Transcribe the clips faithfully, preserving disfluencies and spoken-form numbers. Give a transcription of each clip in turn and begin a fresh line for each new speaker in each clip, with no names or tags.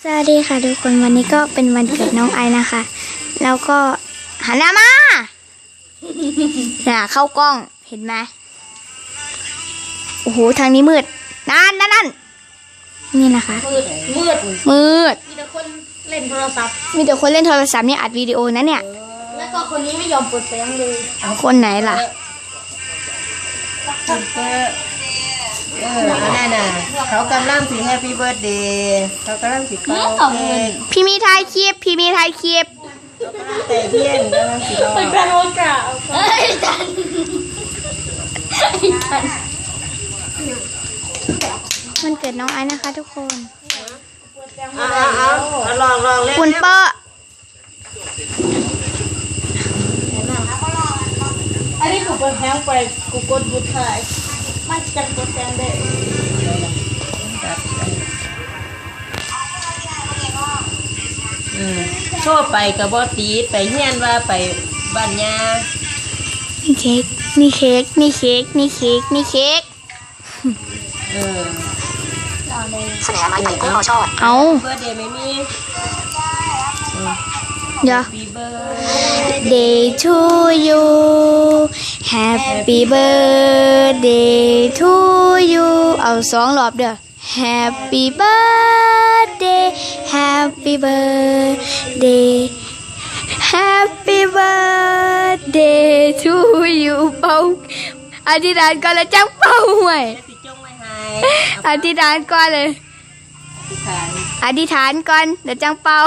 สวัสดีค่ะทุกคนวันนี้ก็เป็นวันเกิดน้องไอนะคะแล้วก็หันหน้ามาน่ะเข้ากล้องเห็นไหมโอ้โหทางนี้มืดนั่นนั่นนั่นนี่นะคะ
มืดมืด
มืด
มีแต่คนเล่นโทรศัพท์
มีแต่คนเล่นโทรศัพท์เนี่ยอัดวิดีโอนะเนี่ย
แล้วก็คนนี้ไม่ยอมเปิดเสียงเลย
คนไหนล่ะ
เออเออนั่นน่ะเขากำลังสิแฮปปี้เบิร์ธเดย์เขากำลังสิเป่าเค้ก
พี่มีถ่ายคลิปพี่มีถ่ายคลิป
แต่เที่ยงกำลังสิรอ
เป็นการโอกาสเฮ้ยจันจัน
มันเกิดน้องไอนะคะทุกคน
เอาเอาเอาลองลองเล่น
คุณเปอร์
อันนี้กูเปิดแฮงไปกูกดหยุดถ่ายมันจะกดแซงได้
อืมโชว์ไปกับบอตีไปเฮียนว่าไปบ้านยา
นี่เค้กนี่เค้กนี่เค้กนี่เค้กนี่เค้ก
เออ
เสนอมาอย่างที่เขาชอบเอา
เบิร์ธเดย์ไม่มี
เดี๋ยว
Happy birthday
Day to you Happy birthday to you เอาสองรอบเด้อ Happy birthday Happy birthday Happy birthday to you เป่าอธิษฐานก่อนแล้วจังเป่าไว้อธิษฐานก่อนเลยอธิษฐานก่อนเดี๋ยวจังเป่า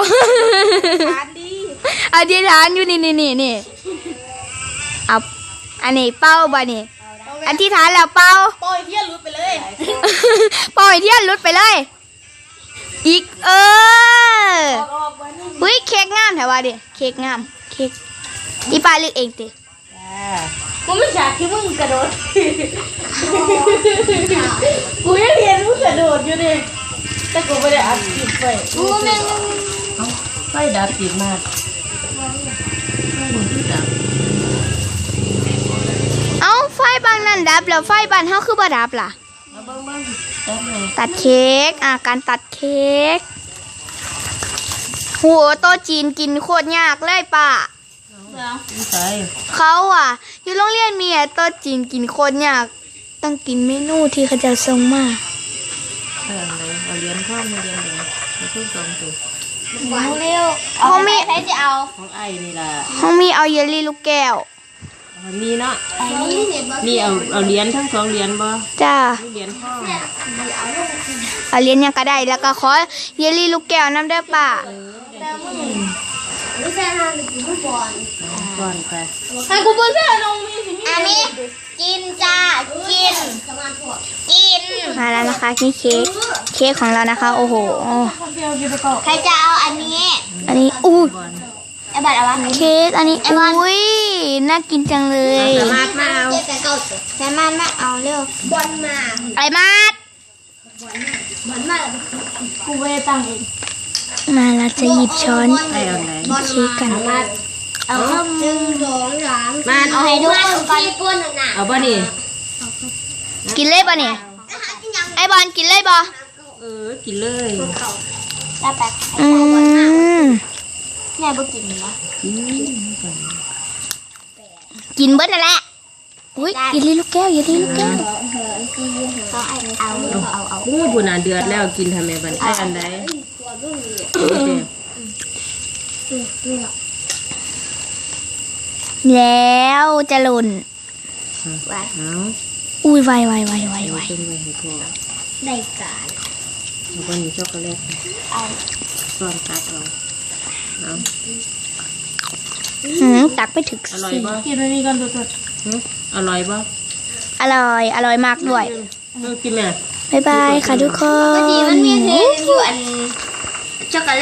อธิษฐานอยู่นี่นี่นี่นี่เอาอันนี้เป่าบ่นี่อธิษฐานแล้วเป่า
ปล่อยเที่ยลุดไปเลย
ปล่อยเที่ยลุดไปเลยอีกเออหุ้ยเค้กงามแถวว่าดิเค้กงามเค้กอีป้าเลือกเองติ
กูไม่อยากที่มึงกระโดดกูยังเห็นมึงกระโดดอยู่ดิแต่กูไม่ได้อัดคลิปไปกูแม่ง
เอาไฟดับติดมาก
เอาไฟบางนั่นดับแล้วไฟบ้านเฮาคือบ่ดับล่ะตัดเค้กอ่ะการตัดเค้กโหโต๊ะจีนกินโคตรยากเลยป้าเขาอ่ะอยู่โรงเรียนมีอ่ะโต๊ะจีนกินโคตรยากต้องกินเมนูที่เขาจะส่งมา
เออเลยเอาเลี้ยงข้าวมาเลี้ยงเลยมาทุ่งสองตัว
เร็ว
ห้องมี
ใครจะเอา
ของไอ้นี่ล่ะ
ห้องมีเอาเยลลี่ลูกแก้ว
มีเนาะมีเอาเอาเหรียญทั้งสองเหรียญบ่
จ้า
เหรียญทอง
เอาเหรียญยังก็ได้แล้วก็ขอเยลลี่ลูกแก้วน้ำได้ป่ะ
ไม่ใช่ฮะกูไม่บอล
ก่อนไป
ให้กูเปิดเสื้อน้องมีสิมี
อันนี้กินจ้ากินกินมาแล้วนะคะนี่เค้กเค้กของเรานะคะโอ้โห
ใครจะเอาอันนี้
อันนี้อู้
ไอ้บัตรเอาวะ
เค้กอันนี้อุ้ยน่ากินจังเลย
สามารถมาเอา
สามารถมาเอาเร็วบอลมา
ไอ้มาด
บอลมากูไปตั้งเอง
มาเราจะหยิบช้อน
ไอ้เอาไหน
เค้กกัน
เอาหนึ่งสองสามมาเอาให้ดูก้นหนา
เอาบ่นี่
กินเลยบ่เนี่ยไอ้บอลกินเลยบ่
เออกินเลย
แล้วแป๊บ
อืม
แม่บ่กินเหรอ
กินเบิดนั่นแหละอุ้ยอย่าลีลูกแก้วอย่าลีลูกแก้ว
ก็เอาเอาเอา
อู้บุญอ่ะเดือดแล้วกินทำไมบันไอ้อันใด
แล้วจะหล่นอุ้ยไวไวไวไวไว
ได้การ
แล้วก็มีช็อกโกแลต
เอา
ส่วนตักเอาเอา
หืมตักไปถึง
อร่อยป่ะ
กินอันนี้กันสด
ๆอร่อยป่ะ
อร่อยอร่อยมากด้วย
กินแม่
บ๊ายบายค่ะทุกคน
ก็ดีมันมีเทอยู่อันช็อกโกแลต